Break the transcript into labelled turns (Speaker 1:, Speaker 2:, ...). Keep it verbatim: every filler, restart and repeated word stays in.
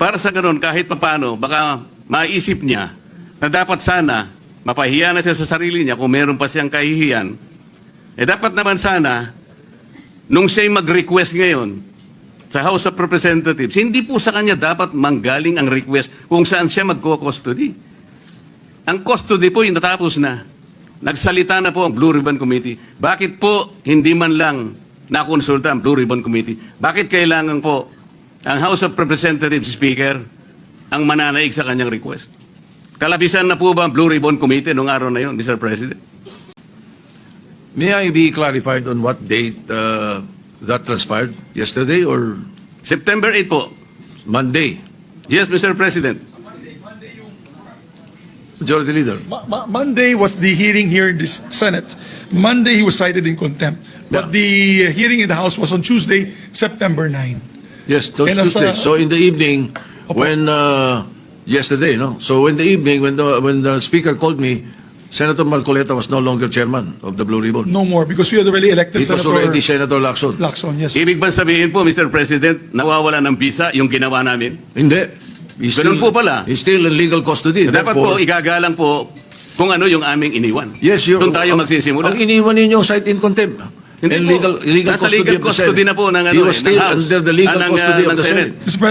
Speaker 1: para sa ganun, kahit papano, baka maisip niya na dapat sana mapahiya na siya sa sarili niya kung meron pa siyang kahihiyan. Eh dapat naman sana, nung siya'y mag-request ngayon sa House of Representatives, hindi po sa kanya dapat manggaling ang request kung saan siya magko-custody. Ang custody po yung natapos na. Nagsalita na po ang Blue Ribbon Committee. Bakit po hindi man lang nakonsulta ang Blue Ribbon Committee? Bakit kailangan po ang House of Representatives Speaker ang mananaig sa kanyang request? Kalabisan na po ba ang Blue Ribbon Committee noong araw na yun, Mister President?
Speaker 2: May I be clarified on what date uh, that transpired? Yesterday or
Speaker 1: September eighth po.
Speaker 2: Monday?
Speaker 1: Yes, Mister President.
Speaker 2: Majority Leader.
Speaker 3: Mo- Mo- Monday was the hearing here in the Senate. Monday he was cited in contempt. But
Speaker 2: Yeah.
Speaker 3: the hearing in the House was on Tuesday, September ninth.
Speaker 2: Yes, those
Speaker 3: And as,
Speaker 2: Tuesday.
Speaker 3: uh,
Speaker 2: So in the evening, when uh, yesterday, no. So in the evening, when the when the Speaker called me, Senator Marcoleta was no longer chairman of the Blue Ribbon.
Speaker 3: No more because we had already elected
Speaker 2: It was
Speaker 3: Senator
Speaker 2: already Senator Lacson.
Speaker 3: Lacson. Yes.
Speaker 1: Ibig ba sabihin po, Mister President, nawawala ng visa yung ginawa namin?
Speaker 2: Hindi. He's
Speaker 1: Ganun po pala.
Speaker 2: He's still in legal custody.
Speaker 1: Dapat po,
Speaker 2: Therefore,
Speaker 1: igagalang po kung ano yung aming iniwan.
Speaker 2: yes, you're,
Speaker 1: Doon tayo
Speaker 2: ang-
Speaker 1: magsisimula.
Speaker 2: Ang iniwan ninyo, cite in contempt.
Speaker 1: Hindi
Speaker 2: and
Speaker 1: po.
Speaker 2: legal, illegal
Speaker 1: Nasa
Speaker 2: custody
Speaker 1: legal
Speaker 2: of the
Speaker 1: custody
Speaker 2: Senate.
Speaker 1: na po ng, ano,
Speaker 2: He was
Speaker 1: eh, ng
Speaker 2: still
Speaker 1: House.
Speaker 2: under the legal
Speaker 1: Ah, ng,
Speaker 2: custody
Speaker 1: ah,
Speaker 2: of
Speaker 1: ng
Speaker 2: the
Speaker 1: Senate.
Speaker 2: Senate.
Speaker 3: Mister